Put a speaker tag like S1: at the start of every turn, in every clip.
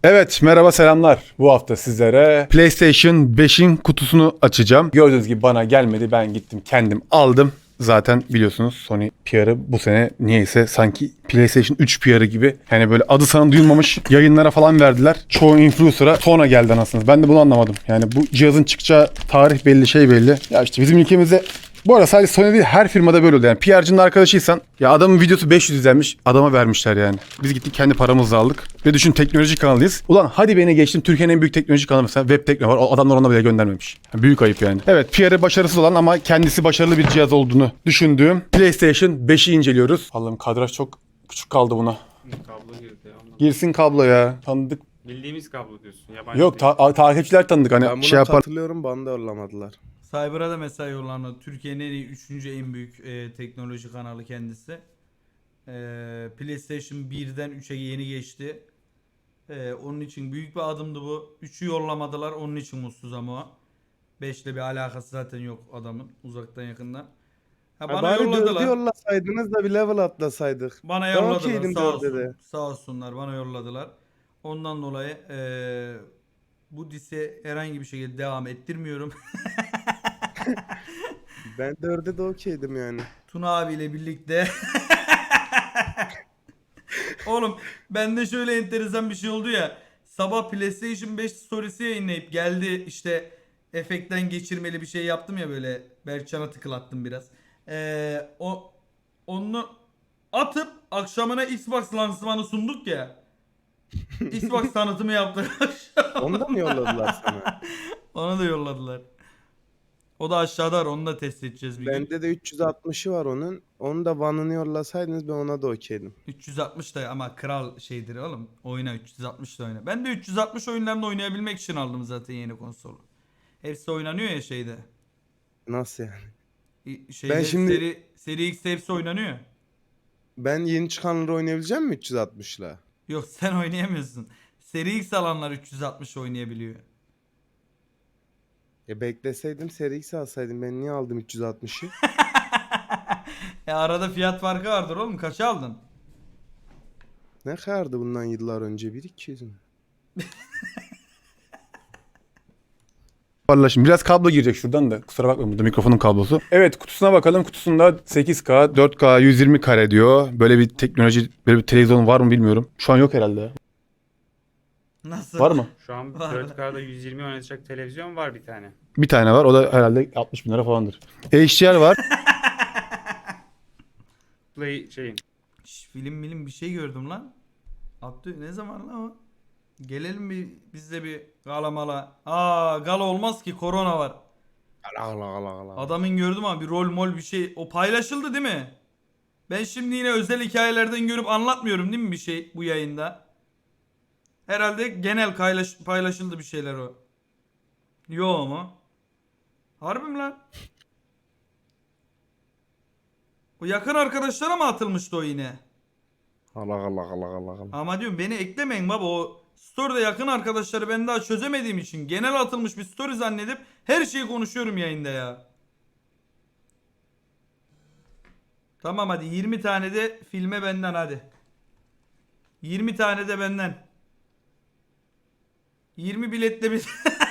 S1: Evet, merhaba selamlar. Bu hafta sizlere PlayStation 5'in kutusunu açacağım. Gördüğünüz gibi bana gelmedi. Ben gittim kendim aldım. Zaten biliyorsunuz Sony PR'ı bu sene niyeyse sanki PlayStation 3 PR'ı gibi. Yani böyle adı sana duyulmamış yayınlara falan verdiler. Çoğu influencer'a sonra geldi anasınız. Ben de bunu anlamadım. Yani bu cihazın çıkacağı tarih belli, şey belli. Ya işte bizim ülkemizde bu arada sadece Sony değil her firmada böyle oluyor. Yani PR'cının arkadaşıysan ya adamın videosu 500 izlenmiş adama vermişler yani. Biz gittik kendi paramızla aldık. Ve düşün teknoloji kanalıyız. Ulan hadi beni geçtim Türkiye'nin en büyük teknoloji kanalı mesela Web Tekno var. O adamlar ona bile göndermemiş. Yani büyük ayıp yani. Evet PR'ı başarısız olan ama kendisi başarılı bir cihaz olduğunu düşündüğüm PlayStation 5'i inceliyoruz. Allah'ım kadraj çok küçük kaldı buna.
S2: Kablo girdi ya.
S1: Girsin kablo ya. Tanıdık.
S2: Bildiğimiz kablo diyorsun. Yabancı
S1: Yok
S2: değil.
S1: takipçiler tanıdık
S3: Ben
S1: hani
S3: buna
S1: şey yapar.
S3: katılıyorum, bana da yollamadılar.
S4: Cyber'a da mesela yollandı. Türkiye'nin en iyi, üçüncü en büyük teknoloji kanalı kendisi. PlayStation 1'den 3'e yeni geçti. Onun için büyük bir adımdı bu. 3'ü yollamadılar. Onun için mutsuz ama o. 5'le bir alakası zaten yok adamın. Uzaktan yakından. Ha, bana
S3: Bari
S4: yolladılar.
S3: 4'ü yollasaydınız da bir level atlasaydık.
S4: Bana
S3: Ben
S4: yolladılar.
S3: okeydim
S4: Sağ
S3: 4'e
S4: olsun.
S3: de.
S4: Sağ olsunlar. Bana yolladılar. Ondan dolayı bu dise herhangi bir şekilde devam ettirmiyorum.
S3: Ben 4'e de okeydim yani.
S4: Tuna abiyle birlikte. Oğlum bende şöyle enteresan bir şey oldu ya. Sabah PlayStation 5 storiesi yayınlayıp geldi işte efektten geçirmeli bir şey yaptım ya böyle. Berkcan'a tıklattım biraz. Onu atıp akşamına Xbox lansmanı sunduk ya. Xbox tanıtımı yaptık.
S3: Onu da mı yolladılar sana?
S4: Onu da yolladılar. O da aşağıda var. Onu da test edeceğiz bir gün.
S3: Bende de 360'ı var onun. Onu da One'ını yollasaydınız ben ona da okeydim.
S4: 360 da ama kral şeydir oğlum. Oyna 360 da oyna. Ben de 360 oyunlarını oynayabilmek için aldım zaten yeni konsolu. Hepsi oynanıyor ya şeyde.
S3: Nasıl yani?
S4: Şeyde
S3: Ben şimdi-
S4: seri X hepsi oynanıyor.
S3: Ben yeni çıkanları oynayabileceğim mi 360'la?
S4: Yok sen oynayamıyorsun. Seri X alanlar 360 oynayabiliyor.
S3: Bekleseydim Seri X alsaydım, ben niye aldım 360'ı?
S4: Arada fiyat farkı vardır oğlum. Kaça aldın?
S3: Ne kadardı bundan yıllar önce? 1.200 mü?
S1: Parlaşım. Biraz kablo girecek şuradan da. Kusura bakmayın burada mikrofonun kablosu. Evet kutusuna bakalım. Kutusunda 8K, 4K, 120 kare diyor. Böyle bir teknoloji, böyle bir televizyon var mı bilmiyorum. Şu an yok herhalde.
S4: Nasıl?
S1: Var mı?
S2: Şu an
S4: Var.
S2: 4K'da 120 oynatacak televizyon var bir tane.
S1: Bir tane var. O da herhalde 60 bin lira falandır. HDR var.
S2: Play şeyin.
S4: Film bir şey gördüm lan. Abdü ne zaman lan o? Gelelim biz de bir gala mala. Gala olmaz ki korona var.
S3: Allah Allah Allah.
S4: Adamın gördüm ama bir rol mol bir şey. O paylaşıldı değil mi? Ben şimdi yine özel hikayelerden görüp anlatmıyorum değil mi bir şey bu yayında? Herhalde genel paylaşıldı bir şeyler o. Yo mu? Harbi mi lan? O yakın arkadaşlara mı atılmıştı o yine?
S3: Allah Allah Allah Allah Allah.
S4: Ama diyorum beni eklemeyin baba, o story'de yakın arkadaşları ben daha çözemediğim için genel atılmış bir story zannedip her şeyi konuşuyorum yayında ya. Tamam hadi 20 tane de filme benden hadi. 20 tane de benden. 20 biletle bir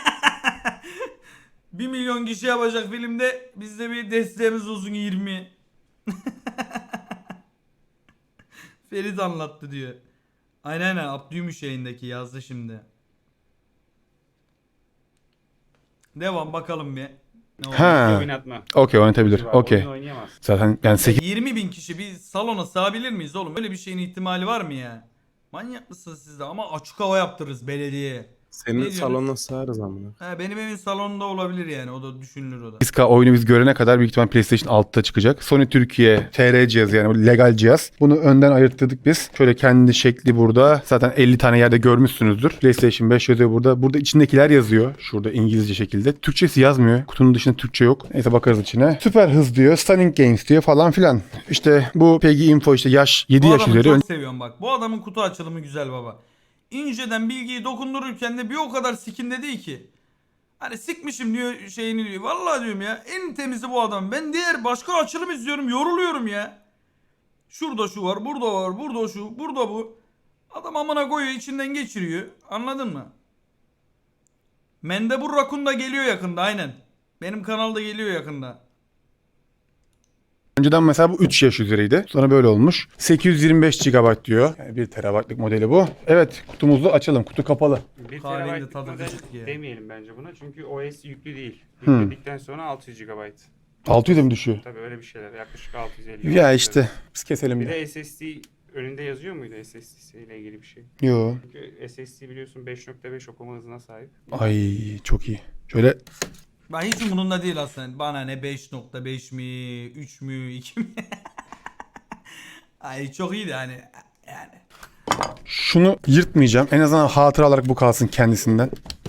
S4: 1 milyon kişi yapacak filmde bizde bir desteğimiz olsun 20. Ferit anlattı diyor. Aynen Abdüymüş yayındaki yazdı şimdi. Devam bakalım bir. Ne oldu?
S1: Ha.
S2: Oynatma.
S1: Okey oynatabilir.
S2: Var,
S1: Okey.
S2: Oyun oynayamaz.
S1: Zaten yani 8
S4: 20 bin kişi bir salona sığabilir miyiz oğlum? Böyle bir şeyin ihtimali var mı ya? Manyak mısınız siz de? Ama açık hava yaptırırız belediyeye.
S3: Senin
S4: Ne diyorsun?
S3: salona sığarız amına.
S4: Benim evin salonunda olabilir yani. O da düşünülür o da.
S1: 8K oyunu biz görene kadar büyük ihtimal PlayStation 6'da çıkacak. Sony Türkiye TR cihazı yani bu legal cihaz. Bunu önden ayırttırdık biz. Şöyle kendi şekli burada. Zaten 50 tane yerde görmüşsünüzdür. PlayStation 5 yazıyor burada. Burada içindekiler yazıyor. Şurada İngilizce şekilde. Türkçesi yazmıyor. Kutunun dışında Türkçe yok. Neyse bakarız içine. Süper hız diyor. Stunning Games diyor falan filan. İşte bu PEGI Info işte yaş 7
S4: Bu
S1: yaş
S4: adamı
S1: üzeri.
S4: çok seviyorum bak. Bu adamın kutu açılımı güzel baba. İnceden bilgiyi dokundururken de bir o kadar sikinde değil ki. Hani sikmişim diyor şeyini diyor. Vallahi diyorum ya en temizi bu adam. Ben diğer başka açılım izliyorum yoruluyorum ya. Şurada şu var, burada var, burada şu, burada bu. Adam amına koyuyor, içinden geçiriyor. Anladın mı? Mendebur Rakun da geliyor yakında aynen. Benim kanalda geliyor yakında.
S1: Önceden mesela bu 3 yaş üzeriydi. Sonra böyle olmuş. 825 GB diyor. Yani 1 TB'lık modeli bu. Evet, kutumuzu açalım. Kutu kapalı.
S2: 1
S4: Kahvenin de
S2: TB
S4: tadı
S2: model
S4: kaçık ya.
S2: demeyelim bence buna. Çünkü OS yüklü değil.
S1: Hmm.
S2: Yükledikten sonra 600 GB.
S1: 600'e mi düşüyor?
S2: Tabii öyle bir şeyler. Yaklaşık 650.
S1: Ya işte biz keselim
S2: Bir
S1: de.
S2: de SSD önünde yazıyor muydu SSD ile ilgili bir şey?
S1: Yo.
S2: Çünkü SSD biliyorsun 5.5 okuma hızına sahip.
S1: Ay çok iyi. Şöyle
S4: Ben hiç umurumda değil aslında. Bana ne 5.5 mi, 3 mü, 2 mi? Ay çok iyiydi hani. Yani.
S1: şunu yırtmayacağım. En azından hatıra olarak bu kalsın kendisinden.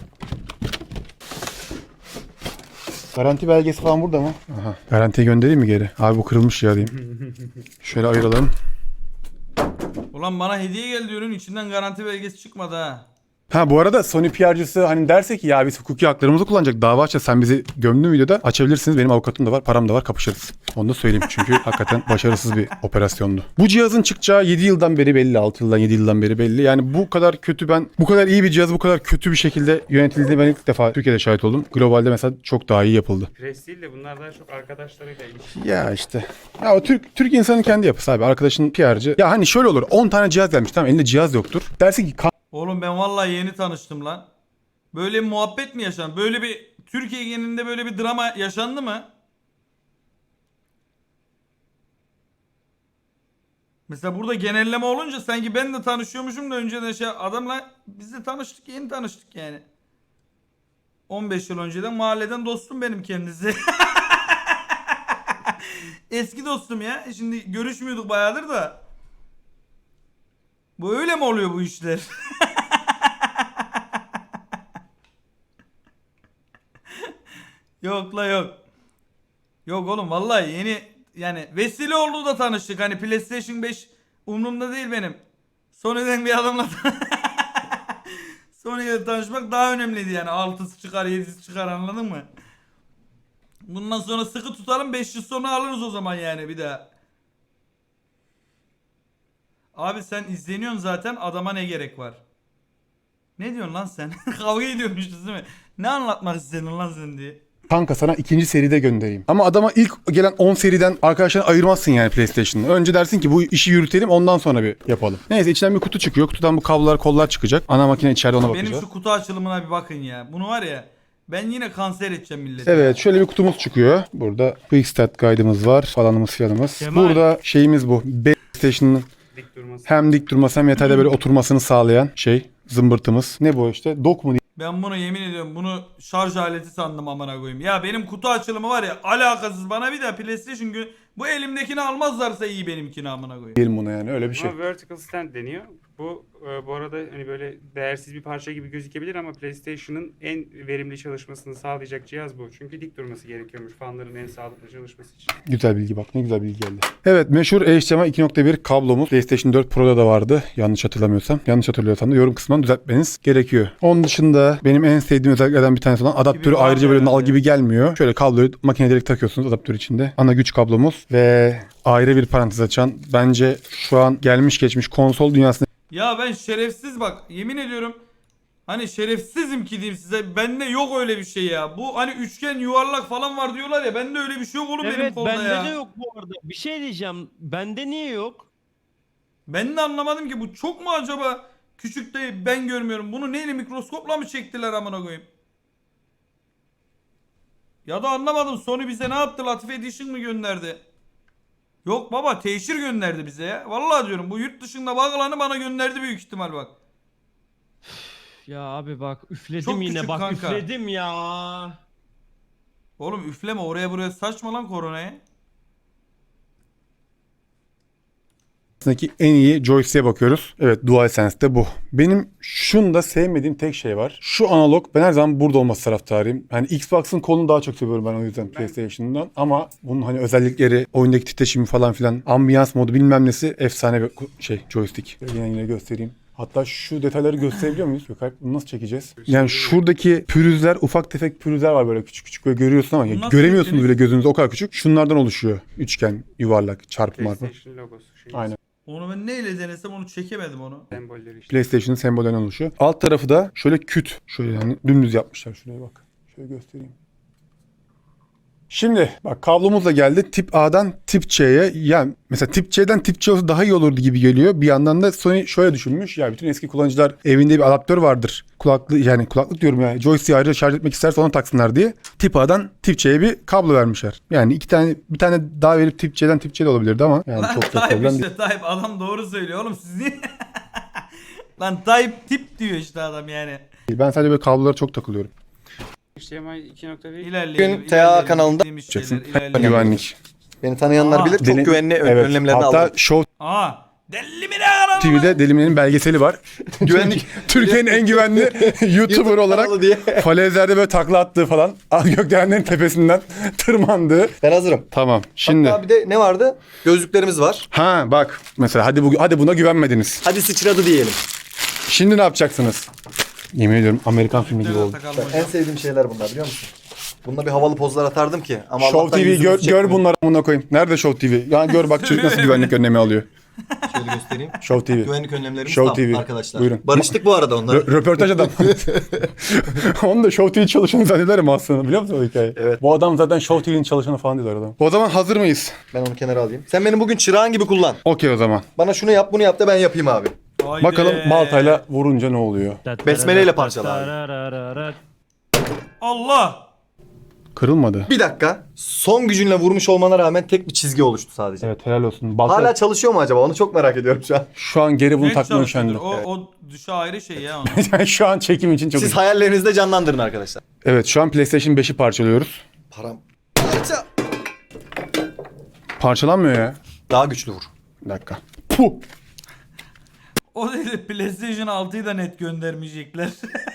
S1: Garanti belgesi falan burada mı? Aha. Garantiye göndereyim mi geri? Abi bu kırılmış ya diyeyim. Şöyle ayıralım.
S4: Ulan bana hediye geldi ürün, içinden garanti belgesi çıkmadı ha.
S1: Ha bu arada Sony PR'cısı hani derse ki ya biz hukuki haklarımızı kullanacak dava açacağız, sen bizi gömdün videoda, açabilirsiniz, benim avukatım da var, param da var, kapışırız. Onu da söyleyeyim çünkü hakikaten başarısız bir operasyondu. Bu cihazın çıkacağı 7 yıldan beri belli, 6 yıldan 7 yıldan beri belli. Yani bu kadar kötü, ben bu kadar iyi bir cihaz bu kadar kötü bir şekilde yönetildiğini ben ilk defa Türkiye'de şahit oldum. Globalde mesela çok daha iyi yapıldı.
S2: Pres değil de bunlar daha çok arkadaşlarıyla ilişki.
S1: Ya işte. Ya o Türk insanın kendi yapısı abi. Arkadaşın PR'cı. Ya hani şöyle olur. 10 tane cihaz gelmiş, tamam, elinde cihaz yoktur. Dersin ki
S4: Oğlum ben vallahi yeni tanıştım lan. Böyle bir muhabbet mi yaşandı? Böyle bir Türkiye genelinde böyle bir drama yaşandı mı? Mesela burada genelleme olunca sanki ben de tanışıyormuşum da önceden adamla biz de tanıştık, yeni tanıştık yani. 15 yıl önceden mahalleden dostum benim kendisi. Eski dostum ya. Şimdi görüşmüyorduk bayağıdır da. Bu öyle mi oluyor bu işler? Yok la yok. Yok oğlum vallahi yeni yani vesile oldu da tanıştık. Hani PlayStation 5 umurumda değil benim. Sony'den bir adamla Sony'yle tanışmak daha önemliydi yani. 6'sı çıkar 7'si çıkar, anladın mı? Bundan sonra sıkı tutalım, 5 yıl sonra alırız o zaman yani bir daha. Abi sen izleniyorsun zaten, adama ne gerek var? Ne diyorsun lan sen? Kavga ediyormuşuz değil mi? Ne anlatmak istedin lan sen diye.
S1: kanka sana ikinci seride göndereyim. Ama adama ilk gelen 10 seriden arkadaşlarını ayırmazsın yani PlayStation'ı. Önce dersin ki bu işi yürütelim, ondan sonra bir yapalım. Neyse, içinden bir kutu çıkıyor. Kutudan bu kablolar, kollar çıkacak. Ana makine içeride, ona bakacağız.
S4: Benim şu kutu açılımına bir bakın ya. Bunu var ya, ben yine kanser edeceğim milleti.
S1: Evet, şöyle bir kutumuz çıkıyor. Burada Quick Start Guide'ımız var. Falanımız filanımız.
S5: Kemal.
S1: Burada şeyimiz bu. PlayStation'ın
S2: Dik durması.
S1: hem dik durması hem yatayda böyle oturmasını sağlayan şey. Zımbırtımız. Ne bu işte? Dock mu?
S4: Ben bunu yemin ediyorum, bunu şarj aleti sandım amına koyayım. Ya benim kutu açılımı var ya alakasız, bana bir de PlayStation bu elimdekini almazlarsa iyi benimkini amına koyayım.
S1: Diyelim buna yani, öyle bir şey.
S2: Buna vertical stand deniyor. Bu arada hani böyle değersiz bir parça gibi gözükebilir ama PlayStation'ın en verimli çalışmasını sağlayacak cihaz bu. Çünkü dik durması gerekiyormuş fanların en sağlıklı çalışması için.
S1: Güzel bilgi, bak ne güzel bilgi geldi. Evet, meşhur HDMI 2.1 kablomuz PlayStation 4 Pro'da da vardı. Yanlış hatırlamıyorsam. Yanlış hatırlıyorsam da yorum kısmından düzeltmeniz gerekiyor. Onun dışında benim en sevdiğim özelliklerden bir tanesi olan adaptörü
S4: var
S1: ayrıca böyle
S4: herhalde.
S1: nal gibi gelmiyor. Şöyle kabloyu makineye direkt takıyorsunuz adaptör içinde. Ana güç kablomuz ve ayrı bir parantez açan, bence şu an gelmiş geçmiş konsol dünyasında
S4: Ya ben şerefsiz bak, yemin ediyorum. Hani şerefsizim ki diyeyim size. Bende yok öyle bir şey ya. Bu hani üçgen yuvarlak falan var diyorlar ya. Bende öyle bir şey yok oğlum benim
S5: Evet
S4: kolda
S5: bende
S4: ya.
S5: de yok bu arada. Bir şey diyeceğim. Bende niye yok?
S4: Ben de anlamadım ki, bu çok mu acaba küçük de ben görmüyorum. Bunu neyle, mikroskopla mı çektiler amına koyayım? Ya da anlamadım, Sony bize ne yaptı? Latife Edition mı gönderdi? Yok baba, teşhir gönderdi bize ya. Vallahi diyorum, bu yurt dışında bağlanı bana gönderdi büyük ihtimal bak.
S5: Ya abi bak üfledim
S4: Çok
S5: yine
S4: küçük
S5: bak
S4: kanka.
S5: üfledim ya.
S4: Oğlum üfleme, oraya buraya saçma lan koronaya.
S1: en iyi joystick'e bakıyoruz. Evet, DualSense'de bu. Benim şunda sevmediğim tek şey var. Şu analog, ben her zaman burada olması taraftarıyım. Hani Xbox'ın kolunu daha çok seviyorum ben o yüzden PlayStation'dan. Ama bunun hani özellikleri, oyundaki titreşimi falan filan, ambiyans modu bilmem nesi efsane bir joystick. Yine göstereyim. Hatta şu detayları gösterebiliyor muyuz? Yok, bunu nasıl çekeceğiz? Yani şuradaki pürüzler, ufak tefek pürüzler var böyle küçük küçük, böyle görüyorsun ama
S4: Bunu nasıl
S1: göremiyorsunuz
S4: çektiniz?
S1: bile gözünüzde, o kadar küçük. Şunlardan oluşuyor. Üçgen, yuvarlak, çarpı marpı.
S2: PlayStation logosu. Şey.
S1: Aynen.
S4: Onu ben neyle denesem onu çekemedim onu.
S2: Sembolleri işte.
S1: PlayStation'ın sembollerine oluşuyor. Alt tarafı da şöyle küt. Şöyle yani dümdüz yapmışlar. Şuraya bak. Şöyle göstereyim. Şimdi bak kablomuz da geldi. Tip A'dan tip C'ye. Yani mesela tip C'den tip C olsa daha iyi olurdu gibi geliyor. Bir yandan da Sony şöyle düşünmüş. Ya bütün eski kullanıcılar evinde bir adaptör vardır. Kulaklık diyorum ya. Joystick'i ayrıca şarj etmek isterse onu taksınlar diye. Tip A'dan tip C'ye bir kablo vermişler. Yani bir tane daha verip tip C'den tip C de olabilirdi ama yani
S4: Lan
S1: çok da
S4: Tayyip
S1: problem
S4: işte
S1: değil.
S4: Tayyip adam doğru söylüyor oğlum siz niye? Lan Tayyip tip diyor işte adam yani.
S1: Ben sadece böyle kablolara çok takılıyorum.
S2: HDMI 2.1
S4: İlerleyelim.
S6: Bugün TA
S4: ilerleyelim,
S6: kanalında
S4: bildiğimiz şeyler,
S1: Yapacaksın.
S4: ilerleyelim.
S1: Güvenlik.
S6: Beni tanıyanlar
S4: Aa,
S6: bilir. Çok
S1: Deli-
S6: güvenli
S1: Evet.
S6: önlemlerini
S1: Hatta
S6: aldım.
S1: Show
S4: Aa, deli mi ne kanalı?
S1: TV'de Delimin'in belgeseli var.
S6: Güvenlik
S1: Türkiye'nin en güvenli YouTuber olarak
S6: kanalı diye.
S1: falezlerde böyle takla attığı falan. Gökdelenlerin tepesinden tırmandığı.
S6: Ben hazırım.
S1: Tamam. Şimdi
S6: Hatta bir de ne vardı? Gözlüklerimiz var.
S1: ha bak mesela hadi buna güvenmediniz.
S6: Hadi sıçradı diyelim.
S1: Şimdi ne yapacaksınız? Yemin ediyorum Amerikan filmi gibi oldu.
S4: Takalım
S6: En
S4: hocam.
S6: sevdiğim şeyler bunlar biliyor musun? Bununla bir havalı pozlar atardım ki. Ama
S1: Show
S6: Allah'tan
S1: TV
S6: yüzümüzü
S1: gör
S6: çekmiyor.
S1: bunları amına koyayım. Nerede Show TV? Yani gör bak çocuk nasıl güvenlik önlemi alıyor.
S6: Şöyle göstereyim.
S1: Show TV.
S6: Güvenlik önlemlerimiz
S1: Show
S6: tam
S1: TV.
S6: arkadaşlar.
S1: Buyurun.
S6: Barıştık bu arada onlar.
S1: Röportaj adam. Onu da Show TV çalışanı zannederim aslında biliyor musun o hikayeyi?
S6: Evet.
S1: Bu adam zaten Show TV'nin çalışanı falan diyorlar adam. O zaman hazır mıyız?
S6: Ben onu kenara alayım. Sen benim bugün çırağın gibi kullan.
S1: Okey o zaman.
S6: Bana şunu yap bunu yap da ben yapayım abi.
S4: Haydi.
S1: Bakalım baltayla vurunca ne oluyor?
S6: Besmeleyle parçala abi.
S4: Allah.
S1: Kırılmadı.
S6: Bir dakika. Son gücünle vurmuş olmana rağmen tek bir çizgi oluştu sadece.
S1: Evet helal olsun. Balta
S6: Hala çalışıyor mu acaba? Onu çok merak ediyorum şu an.
S1: şu an geri bunu
S4: Ne
S1: takmaya
S4: çalışıyordur?
S1: üşendim.
S4: O düşe ayrı şey ya onun.
S1: Yani şu an çekim için çok
S6: Siz hayallerinizde canlandırın arkadaşlar.
S1: Evet şu an PlayStation 5'i parçalıyoruz.
S6: Param. Parça.
S1: Parçalanmıyor ya.
S6: Daha güçlü vur.
S1: Bir dakika. Puh.
S4: O değil de PlayStation 6'yı da net göndermeyecekler.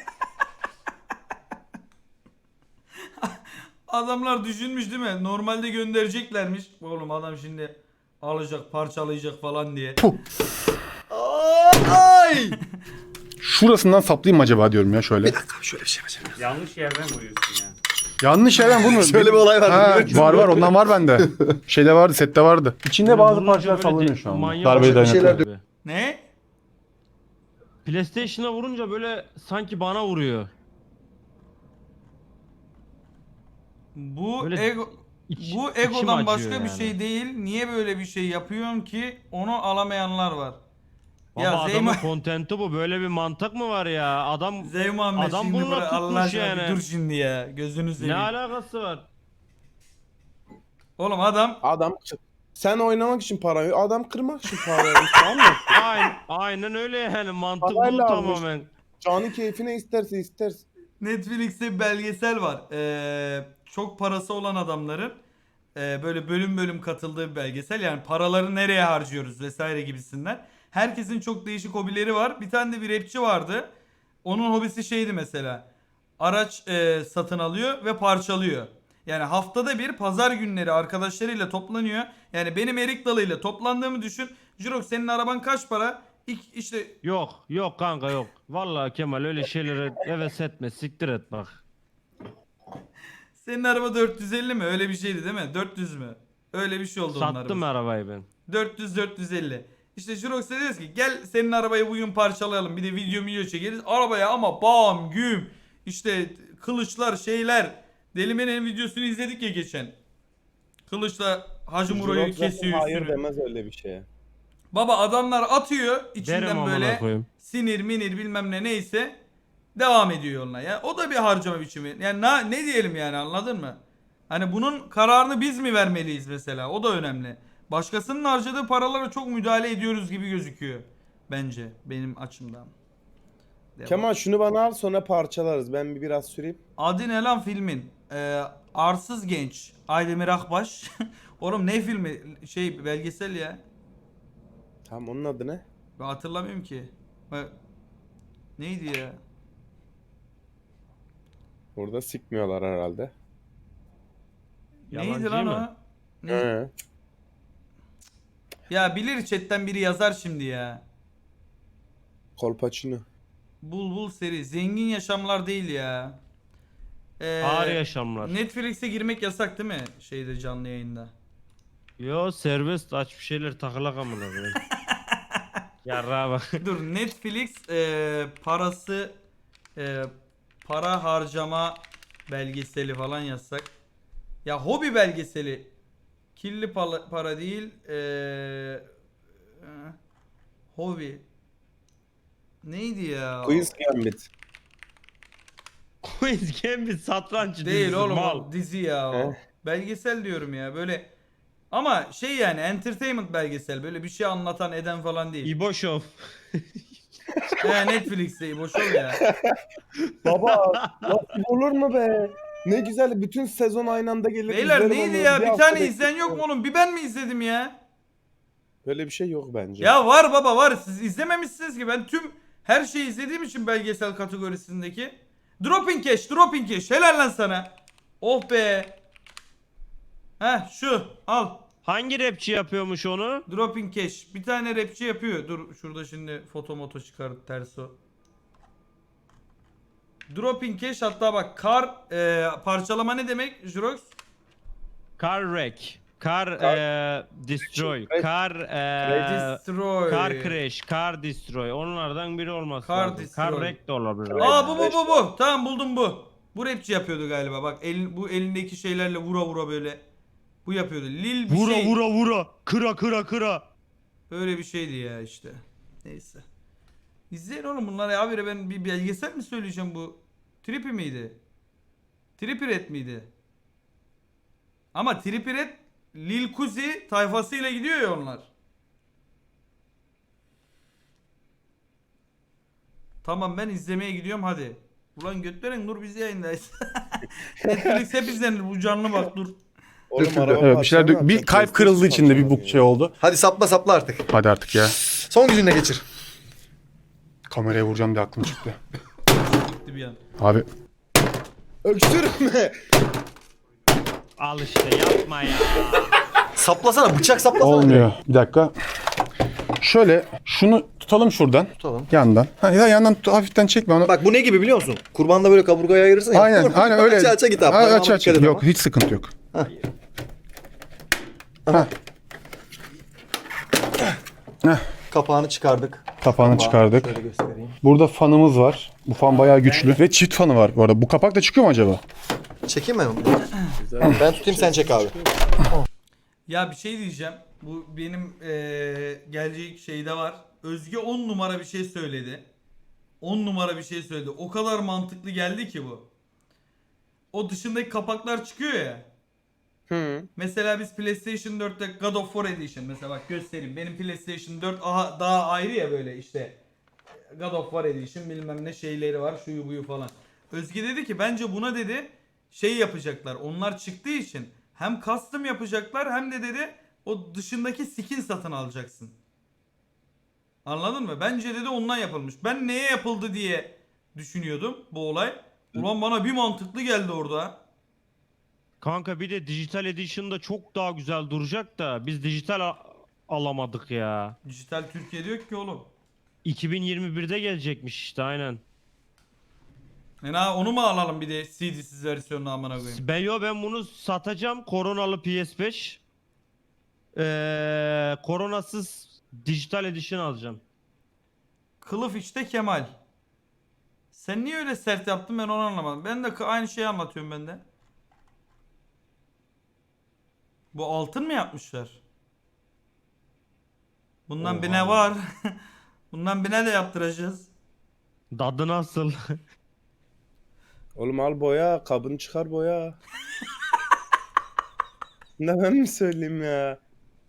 S4: Adamlar düşünmüş değil mi? Normalde göndereceklermiş. Oğlum adam şimdi alacak, parçalayacak falan diye.
S6: Ay!
S1: Şurasından saplayayım mı acaba diyorum ya şöyle.
S6: Bir dakika şöyle bir şey yapacağım.
S2: yanlış yerden vuruyorsun ya.
S1: Yanlış yerden vurmuyor.
S6: Şöyle bir olay var.
S1: Ha,
S6: biliyor musun?
S1: var ondan var bende. Şeyde vardı sette vardı. İçinde bazı
S5: Vurunca
S1: parçalar
S5: böyle
S1: sallanıyor şu an.
S5: manyak
S1: Darbeyi
S5: bir
S6: şeyler
S1: dayanıklı.
S5: abi.
S4: Ne?
S5: PlayStation'a vurunca böyle sanki bana vuruyor.
S4: Bu
S5: Böyle
S4: ego bu
S5: içim
S4: egodan
S5: acıyor
S4: başka bir
S5: yani.
S4: şey değil. Niye böyle bir şey yapıyorsun ki onu alamayanlar var.
S5: Baba
S4: Ya
S5: adamın
S4: Zeyma
S5: kontenti bu. Böyle bir mantık mı var ya? Adam
S4: Zeymuhammed
S5: Adam
S4: şimdi
S5: bununla
S4: bırak Allah
S5: tutmuş
S4: aşkına bir
S5: yani.
S4: dur şimdi ya. Gözünü
S5: ne
S4: seveyim.
S5: alakası var?
S4: Oğlum adam
S3: Adam sen oynamak için para veriyor. Adam kırmak için para veriyor. Tamam mı?
S5: Aynen öyle yani mantık bu
S3: Parayla almış.
S5: tamamen.
S3: Canı keyfine isterse isterse.
S4: Netflix'te bir belgesel var. Çok parası olan adamların böyle bölüm bölüm katıldığı bir belgesel. Yani paraları nereye harcıyoruz vesaire gibisinden. Herkesin çok değişik hobileri var. Bir tane de bir rapçi vardı. Onun hobisi şeydi mesela. Araç satın alıyor ve parçalıyor. Yani haftada bir pazar günleri arkadaşlarıyla toplanıyor. Yani benim Erik Dalı ile toplandığımı düşün. Jirok senin araban kaç para? İşte
S5: Yok kanka yok. Vallahi Kemal öyle şeylere heves etme. Siktir et bak.
S4: senin araba 450 mi? Öyle bir şeydi değil mi? 400 mü? Öyle bir şey oldu onun
S5: Sattım
S4: arabası.
S5: arabayı ben.
S4: 400-450. İşte Jirox'a diyoruz ki gel senin arabayı bugün parçalayalım. Bir de video çekeriz. Arabaya ama bam güm. İşte kılıçlar şeyler. Delime'nin videosunu izledik ya geçen. Kılıçla Hacı Muro'yu
S3: Jirok zaten
S4: kesiyor
S3: hayır
S4: üstünü.
S3: demez öyle bir şeye.
S4: Baba adamlar atıyor
S5: Derim
S4: içinden
S5: amına
S4: böyle
S5: koyayım.
S4: sinir minir bilmem ne neyse. Devam ediyor yoluna ya. O da bir harcama biçimi. Yani ne diyelim yani anladın mı? Hani bunun kararını biz mi vermeliyiz mesela? O da önemli. Başkasının harcadığı paralara çok müdahale ediyoruz gibi gözüküyor. Bence benim açımdan. Devam.
S3: Kemal şunu bana al sonra parçalarız. Ben biraz süreyim.
S4: Adı ne lan filmin? Arsız Genç. Aydemir Akbaş. Oğlum ne filmi? Şey belgesel ya.
S3: Tamam onun adı ne?
S4: Ben hatırlamıyorum ki. Neydi ya?
S3: Burada sikmiyorlar herhalde.
S4: Neydi
S5: Yalancı
S4: lan
S5: mı?
S4: o? Ne?
S3: He.
S4: Ya bilir chatten biri yazar şimdi ya.
S3: Kolpaçino.
S4: Bul seri. Zengin yaşamlar değil ya.
S5: Ağır yaşamlar.
S4: Netflix'e girmek yasak değil mi? Şeyde canlı yayında.
S5: Yo serbest aç bir şeyler takılak amına koyayım. Yarrağa bak.
S4: Dur Netflix parası para harcama belgeseli falan yazsak. Ya hobi belgeseli. Kirli para değil. Hobi. Neydi ya?
S3: Queen's Gambit.
S5: Queen's Gambit satranç
S4: Değil
S5: dizisi,
S4: oğlum
S5: mal.
S4: o dizi ya o.
S3: He?
S4: Belgesel diyorum ya böyle. Ama şey yani entertainment belgesel. Böyle bir şey anlatan eden falan değil.
S5: İbo Show.
S4: Netflix'te boş ol ya.
S3: Baba nasıl olur mu be? Ne güzel bütün sezon aynı anda gelir.
S4: Beyler
S3: izlerim
S4: neydi
S3: onu.
S4: ya? Bir
S3: hafta
S4: tane
S3: beklerim.
S4: izleyen yok mu oğlum? Bir ben mi izledim ya?
S3: Böyle bir şey yok bence.
S4: Ya var baba var. Siz izlememişsiniz ki. Ben tüm her şeyi izlediğim için belgesel kategorisindeki. Dropping Cash. Helal lan sana. Oh be. Heh şu al.
S5: Hangi rapçi yapıyormuş onu?
S4: Dropping Cash. Bir tane rapçi yapıyor. Dur şurada şimdi foto çıkar ters o. Dropping Cash hatta bak parçalama ne demek Jurox?
S5: Car wreck. Car destroy.
S3: Crash.
S5: Car
S4: Destroy.
S5: car crash. Car destroy. Onlardan biri olması
S4: Car
S5: lazım.
S4: destroy.
S5: Car wreck de olabilir.
S4: Aa bu. Tamam buldum bu. Bu rapçi yapıyordu galiba. Bak bu elindeki şeylerle vura böyle. Bu yapıyordu. Lil bir
S5: Vura
S4: şey.
S5: vura. Kıra.
S4: Öyle bir şeydi ya işte. Neyse. İzleyin oğlum bunları ya. Abi ben bir belgesel mi söyleyeceğim bu? Trippy miydi? Trippy Red miydi? Ama Trippy Red Lil Kuzi tayfasıyla gidiyor ya onlar. Tamam ben izlemeye gidiyorum hadi. Ulan götlerin dur biz yayındayız. Netflix hep izlenir bu canlı bak dur.
S3: Oğlum, araba
S1: Evet, bir şeyler
S3: parçalanıyor,
S1: bir kalp
S3: PlayStation
S1: kırıldı içinde bir bu
S3: parçalanıyor.
S1: şey oldu.
S6: Hadi sapla artık.
S1: Hadi artık ya.
S6: Son gücünle geçir.
S1: Kameraya vuracağım diye aklım çıktı.
S4: Gitti bir an.
S1: Abi
S3: Öksürme.
S5: Al işte yapma ya.
S6: Saplasana, bıçak saplasana.
S1: olmuyor. Bir dakika. Şöyle şunu tutalım şuradan.
S6: Tutalım.
S1: Yandan. Ha, ya yandan hafiften çekme onu.
S6: Bak bu ne gibi biliyor musun? Kurbanda böyle kaburgaya ayırırsın ya.
S1: Aynen öyle.
S6: Aça git abi.
S1: Ha,
S6: Parmağına
S1: aç.
S6: dikkat et
S1: Yok
S6: ama.
S1: hiç sıkıntı yok. Ha.
S6: Kapağını çıkardık.
S1: Kapağını çıkardık.
S6: Şöyle göstereyim.
S1: Burada fanımız var. Bu fan bayağı güçlü. Ve çift fanı var bu arada. Bu kapak da çıkıyor mu acaba?
S6: Çekeyim mi? Ben tutayım sen çek abi.
S4: Ya bir şey diyeceğim. Bu benim gelecek şeyde var. Özge 10 numara bir şey söyledi. 10 numara bir şey söyledi. O kadar mantıklı geldi ki bu. O dışındaki kapaklar çıkıyor ya.
S3: Hı.
S4: Mesela biz PlayStation 4'te God of War Edition mesela bak göstereyim. Benim PlayStation 4 daha ayrı ya böyle işte. God of War Edition bilmem ne şeyleri var şuyu buyu falan. Özge dedi ki bence buna dedi şey yapacaklar. Onlar çıktığı için hem custom yapacaklar hem de dedi o dışındaki skin satın alacaksın. Anladın mı? Bence dedi ondan yapılmış. Ben neye yapıldı diye düşünüyordum bu olay. Ulan bana bir mantıklı geldi orada.
S5: Kanka bir de dijital edition'da çok daha güzel duracak da biz dijital alamadık ya.
S4: Dijital Türkiye'de yok ki oğlum.
S5: 2021'de gelecekmiş işte aynen.
S4: Onu mu alalım bir de CD'siz versiyonunu amına koyayım.
S5: Ben bunu satacağım. Koronalı PS5. Koronasız dijital edition alacağım.
S4: Kılıf işte Kemal. Sen niye öyle sert yaptın ben onu anlamadım. Ben de aynı şeyi anlatıyorum ben de. Bu altın mı yapmışlar? Bundan bir ne var? Bundan bir ne de yaptıracağız.
S5: Dadı nasıl?
S3: Oğlum al boya. Kabını çıkar boya. Ne ben mi söyleyeyim ya?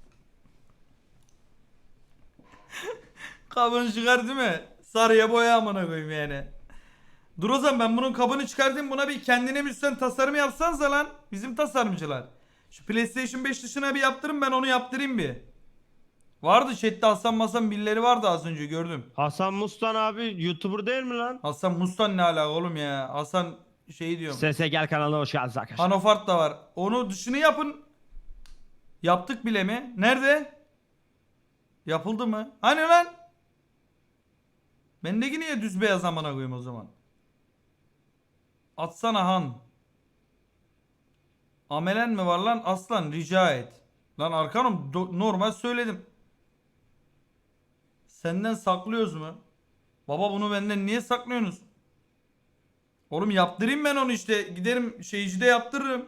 S4: Kabını çıkar değil mi? Sarıya boya amına koyayım yani. Dur o zaman ben bunun kabını çıkartayım buna bir kendine müzisyen tasarım yapsanıza lan. Bizim tasarımcılar. Şu PlayStation 5 dışına bir yaptırın ben onu yaptırayım bir. Vardı chatte Hasan Masan birileri vardı az önce gördüm.
S5: Hasan Mustan abi YouTuber değil mi lan?
S4: Hasan Mustan ne alaka oğlum ya? Hasan şey diyorum.
S5: Sese gel kanalına hoş geldiniz arkadaşlar.
S4: Hanofart da var. Onu dışını yapın. Yaptık bile mi? Nerede? Yapıldı mı? Hani lan? Bendeki niye düz beyaz amına koyayım o zaman? Atsana Han. Amelen mi var lan? Aslan rica et. Lan Arkanım normal söyledim. Senden saklıyoruz mu? Baba bunu benden niye saklıyorsunuz? Oğlum yaptırayım ben onu işte. Giderim şeycide yaptırırım.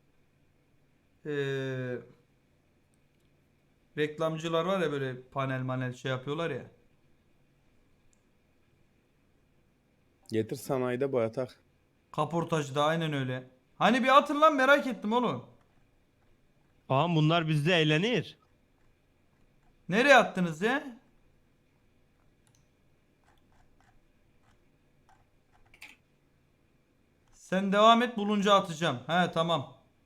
S4: Reklamcılar var ya böyle panel şey yapıyorlar ya.
S3: Getir sanayide boyatak.
S4: Kaportacıda aynen öyle. Hani bir atın lan merak ettim oğlum.
S5: Ağam bunlar bizde eğlenir.
S4: Nereye attınız ya? Sen devam et bulunca atacağım. He tamam.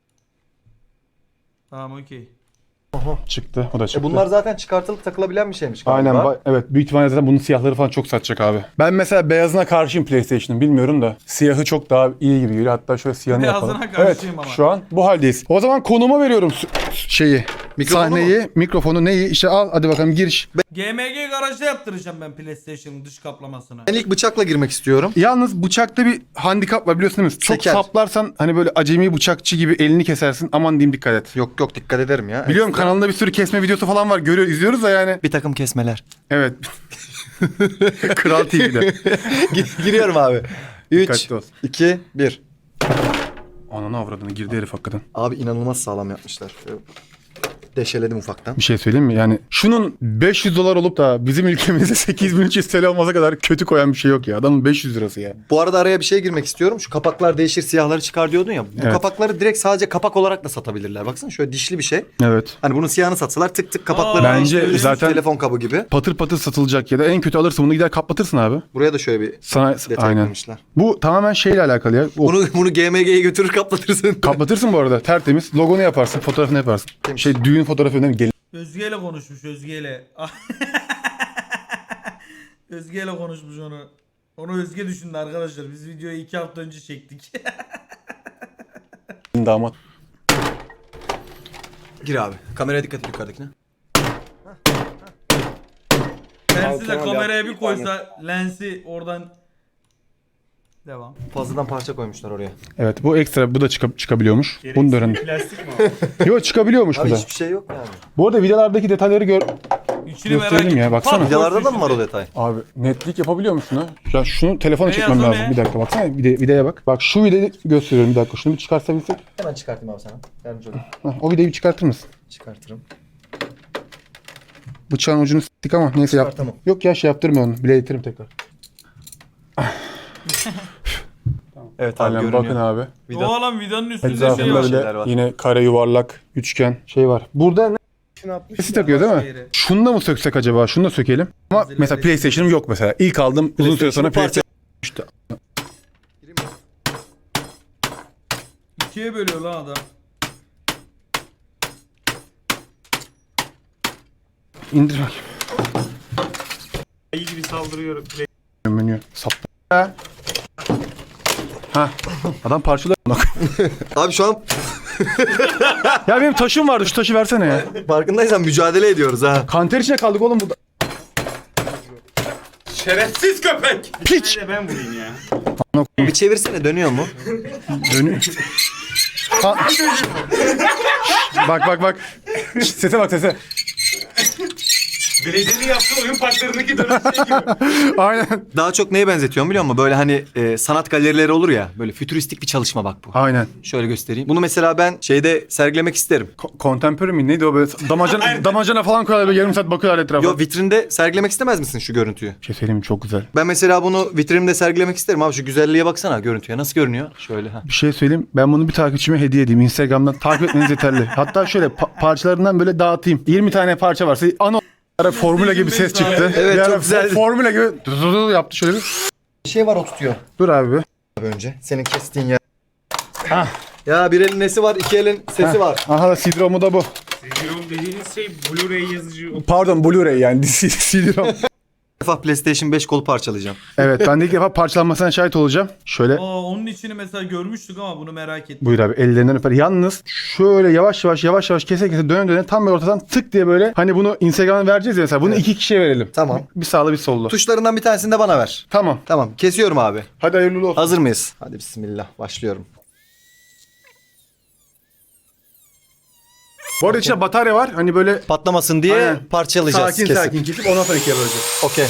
S4: Tamam okey.
S1: Çıktı. O da çıktı.
S6: Bunlar zaten çıkartılıp takılabilen bir şeymiş galiba.
S1: Aynen. Evet. Büyük ihtimalle zaten bunun siyahları falan çok satacak abi. Ben mesela beyazına karşıyım PlayStation'ın. Bilmiyorum da. Siyahı çok daha iyi gibi geliyor. Hatta şöyle siyahını
S4: Beyazına
S1: yapalım.
S4: karşıyım
S1: Evet.
S4: ama.
S1: Şu an bu haldeyiz. O zaman konuma veriyorum şeyi.
S6: Mikrofonu
S1: Sahneyi, mikrofonu neyi? İşte al hadi bakalım giriş.
S4: GMG garajda yaptıracağım ben PlayStation'ın dış kaplamasını.
S6: Ben ilk bıçakla girmek istiyorum.
S1: Yalnız bıçakta bir handikap var biliyorsun değil mi? Çok
S6: Seker.
S1: saplarsan hani böyle acemi bıçakçı gibi elini kesersin. Aman diyeyim dikkat et.
S6: Yok dikkat ederim ya.
S1: Biliyorum kanalında bir sürü kesme videosu falan var. İzliyoruz da yani.
S6: Bir takım kesmeler.
S1: Evet. Kral TV'de.
S6: Giriyorum abi. 3,
S1: Dikkatli ol.
S6: 2, 1.
S1: Ananı avradını girdi herif hakikaten.
S6: Abi inanılmaz sağlam yapmışlar. Deşeledim ufaktan.
S1: Bir şey söyleyeyim mi? Yani şunun 500 dolar olup da bizim ülkemizde 8300 TL olmasa kadar kötü koyan bir şey yok ya. Adamın 500 lirası ya.
S6: Bu arada araya bir şey girmek istiyorum. Şu kapaklar değişir, siyahları çıkar diyordun ya. Bu
S1: Evet.
S6: kapakları direkt sadece kapak olarak da satabilirler. Baksana şöyle dişli bir şey.
S1: Evet.
S6: Hani bunun siyahını satsalar tık tık kapakları
S1: Bence
S6: değiştirebiliriz.
S1: zaten-
S6: Telefon kabı gibi.
S1: Patır patır satılacak ya da en kötü alırsın bunu gider kaplatırsın abi.
S6: Buraya da şöyle bir
S1: Sana
S6: detay
S1: aynen.
S6: eklemişler.
S1: Bu tamamen şeyle alakalı ya.
S6: Bunu GMG'ye götürür kaplatırsın.
S1: Kaplatırsın bu arada tertemiz. Logonu yaparsın, fotoğrafını yaparsın.
S6: Temiz.
S1: Şey düğün fotoğrafı önemli. Gelin.
S4: Özge ile konuşmuş Özge ile. Özge ile konuşmuş onu. Onu Özge düşündü arkadaşlar. Biz videoyu 2 hafta önce çektik.
S1: Damat.
S6: Gir abi. Kameraya dikkat et yukarıdakine.
S4: Lensi de
S3: Altına
S4: kameraya
S3: yap-
S4: bir koysa lensi oradan devam.
S6: Fazladan parça koymuşlar oraya.
S1: Evet bu ekstra bu da çıkabiliyormuş. Bunu da öğrendim.
S2: Plastik mi o?
S1: Yok çıkabiliyormuş bu
S6: Abi
S1: da.
S6: hiçbir şey yok yani.
S1: Bu arada videolardaki detayları
S4: İçini merak
S1: gösterelim
S4: ettim.
S1: ya, baksana.
S4: Pat,
S6: Videolarda da mı var o
S4: içinde.
S6: detay?
S1: Abi netlik yapabiliyor musun ha? Ya şunu telefona
S4: Beyaz
S1: çekmem
S4: o
S1: lazım.
S4: ne?
S1: Bir dakika baksana videoya bak. Bak şu videoyu gösteriyorum bir dakika. Şunu bir çıkartabilsek.
S6: Hemen çıkartayım abi sana. Yardımcı olayım.
S1: O videoyu bir çıkartır mısın?
S6: Çıkartırım.
S1: Bıçağın ucunu s**tik ama neyse yap.
S6: Çıkartamam.
S1: Yok ya şey yaptırma onu. Biletirim tekrar.
S6: Evet abi
S1: Aynen
S6: görünüyor.
S1: bakın abi.
S4: O alan vidanın üstünde şey
S1: Etrafında
S4: var.
S6: şeyler
S1: bile
S6: var.
S1: yine kare yuvarlak, üçgen şey var. Burada ne
S3: İçine atmış
S1: sesi
S3: ya.
S1: takıyor değil mi?
S4: Yeri.
S1: Şunu da mı söksek acaba? Şunu da sökelim. Ama
S4: Hazırlar
S1: mesela
S4: resim.
S1: PlayStation'ım yok mesela. İlk aldım uzun süre sonra
S6: PlayStation
S1: PlayStation.
S4: İkiye bölüyor lan adam.
S1: İndir bakayım.
S2: İyi gibi saldırıyor.
S1: Menü saptı. Ha. Adam parçalıyor.
S6: Abi şu an
S1: Ya benim taşım vardı. Şu taşı versene ya.
S6: farkındaysan mücadele ediyoruz ha.
S1: Kanter içine kaldık oğlum burada.
S2: Şerefsiz köpek!
S1: Piç.
S2: Bir de ben vurayım ya.
S6: Bir çevirsene dönüyor mu?
S1: Dönüyor. Ha. Bak. Sese bak sese.
S2: Belediyenin yaptığı oyun parklarındaki dönem şey gibi.
S1: Aynen.
S6: Daha çok neye benzetiyorum biliyor musun? Böyle hani sanat galerileri olur ya. Böyle fütüristik bir çalışma bak bu.
S1: Aynen.
S6: Şöyle göstereyim. Bunu mesela ben şeyde sergilemek isterim.
S1: Contemporary mi? Neydi o böyle damacana falan koyuyorlar böyle yarım saat bakıyorlar etrafa.
S6: Yo vitrinde sergilemek istemez misin şu görüntüyü?
S1: Bir şey söyleyeyim mi? Çok güzel.
S6: Ben mesela bunu vitrinimde sergilemek isterim abi. Şu güzelliğe baksana görüntüye. Nasıl görünüyor? Şöyle ha.
S1: Bir şey söyleyeyim. Ben bunu bir takipçime hediye edeyim. Instagram'dan takip etmeniz yeterli. Hatta şöyle parçalarından böyle dağıtayım. 20 tane parça varsa ana formüle gibi ses çıktı.
S6: Evet,
S1: Bir ara
S6: çok güzeldi.
S1: Formüle gibi yaptı şöyle bir.
S6: Bir şey var o tutuyor.
S1: Dur abi bir.
S6: Abi önce. Senin kestiğin yer.
S1: Hah.
S6: Ya bir elin nesi var, iki elin sesi var.
S1: Aha da CD-ROM'u da bu.
S2: CD-ROM dediğiniz şey Blu-ray yazıcı.
S1: Pardon Blu-ray yani CD-ROM.
S6: Bir defa PlayStation 5 kolu parçalayacağım.
S1: Evet ben de ilk defa parçalanmasına şahit olacağım. Şöyle
S4: Aa, onun içini mesela görmüştük ama bunu merak ettim.
S1: buyur abi ellerinden öper. Yalnız şöyle yavaş yavaş kese döne tam böyle ortadan tık diye böyle hani bunu Instagram'a vereceğiz ya mesela bunu iki kişiye verelim.
S6: Tamam.
S1: Bir sağlı bir sollu.
S6: Tuşlarından bir tanesini de bana ver.
S1: Tamam.
S6: Tamam kesiyorum abi.
S1: Hadi hayırlı olsun.
S6: Hazır mıyız? Hadi bismillah başlıyorum.
S1: Bu arada içinde batarya var. Hani böyle
S6: Patlamasın diye
S1: Aynen.
S6: parçalayacağız
S1: sakin
S6: kesip.
S1: sakin kesip ondan sonra ikiye böleceğiz.
S6: Okey.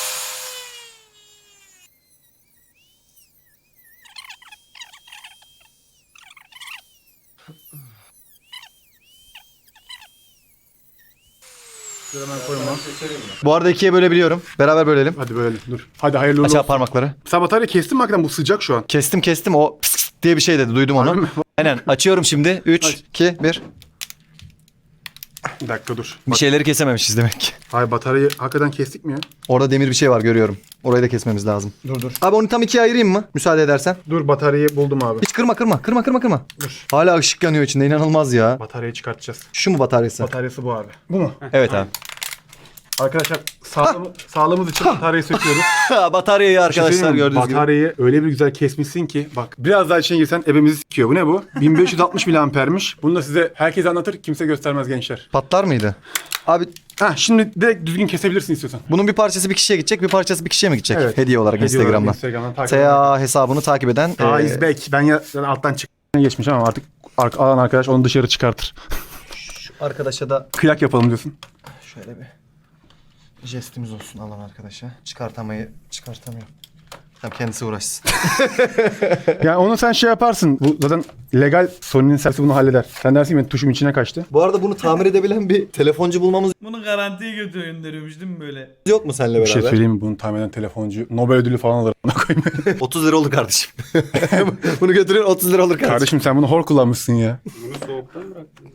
S1: Hemen koyma.
S6: Bu arada ikiye bölebiliyorum. Beraber bölelim.
S1: Hadi böyle dur. Hadi hayırlı
S6: Aç
S1: olsun.
S6: abi parmakları.
S1: Sen batarya kestin mi hakikaten? Bu sıcak şu an.
S6: Kestim. O pıs pıs diye bir şey dedi. Duydum onu. Aynen. Açıyorum şimdi. 3,
S1: Aç.
S6: 2, 1.
S1: Bir dakika dur.
S6: Bir şeyleri kesememişiz demek ki.
S1: Hayır bataryayı hakikaten kestik mi ya?
S6: Orada demir bir şey var görüyorum. Orayı da kesmemiz lazım.
S1: Dur.
S6: Abi onu tam ikiye ayırayım mı? Müsaade edersen.
S1: Dur bataryayı buldum abi.
S6: Hiç kırma.
S1: Dur.
S6: Hala ışık yanıyor içinde. İnanılmaz ya.
S1: Bataryayı çıkartacağız.
S6: Şu mu bataryası?
S1: Bataryası bu abi. Bu mu?
S6: Evet abi.
S1: Arkadaşlar sağlığımız için bataryayı söküyoruz.
S6: Bataryayı
S1: Bir şey
S6: arkadaşlar
S1: söyleyeyim mi?
S6: gördüğünüz gibi.
S1: Bataryayı öyle bir güzel kesmişsin ki bak biraz daha içine girsen ebemizi sikiyor. Bu ne bu? 1560 miliampermiş. Bunu da size herkes anlatır kimse göstermez gençler.
S6: Patlar mıydı? Abi
S1: Şimdi direkt düzgün kesebilirsin istiyorsan.
S6: bunun bir parçası bir kişiye gidecek, bir parçası bir kişiye mi gidecek?
S1: Evet.
S6: Hediye olarak
S1: Hediye olarak
S6: Instagram'dan.
S1: Instagram'dan takip edin.
S6: TA hesabını takip eden.
S1: Is back. Ben ya alttan geçmiş ama artık alan arkadaş onu dışarı çıkartır.
S6: Şu arkadaşa da
S1: Kıyak yapalım diyorsun.
S6: şöyle bir jestimiz olsun alan arkadaşa. Çıkartamıyor. Tamam kendisi uğraşsın.
S1: Yani onu sen şey yaparsın. Bu zaten legal Sony'nin servisi bunu halleder. Sen dersin ki benim tuşum içine kaçtı.
S6: Bu arada bunu tamir edebilen bir telefoncu bulmamız
S4: Bunu garantiye gönderiyormuş değil mi böyle?
S6: yok mu seninle
S1: Bir şey
S6: beraber?
S1: söyleyeyim mi? Bunu tahmin eden telefoncu Nobel ödülü falan alır. Ona koyayım.
S6: 30 lira olur kardeşim. Bunu götürün 30 lira olur kardeşim.
S1: Kardeşim sen bunu hor kullanmışsın ya.
S2: Bunu soğuktan bıraktınız.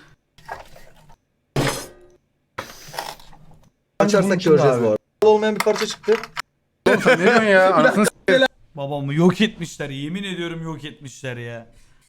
S6: Açarsak göreceğiz bu arada. Olmayan bir parça çıktı.
S1: Oğlum sen ne diyorsun ya? Anasını
S4: Babamı yok etmişler. Yemin ediyorum yok etmişler ya.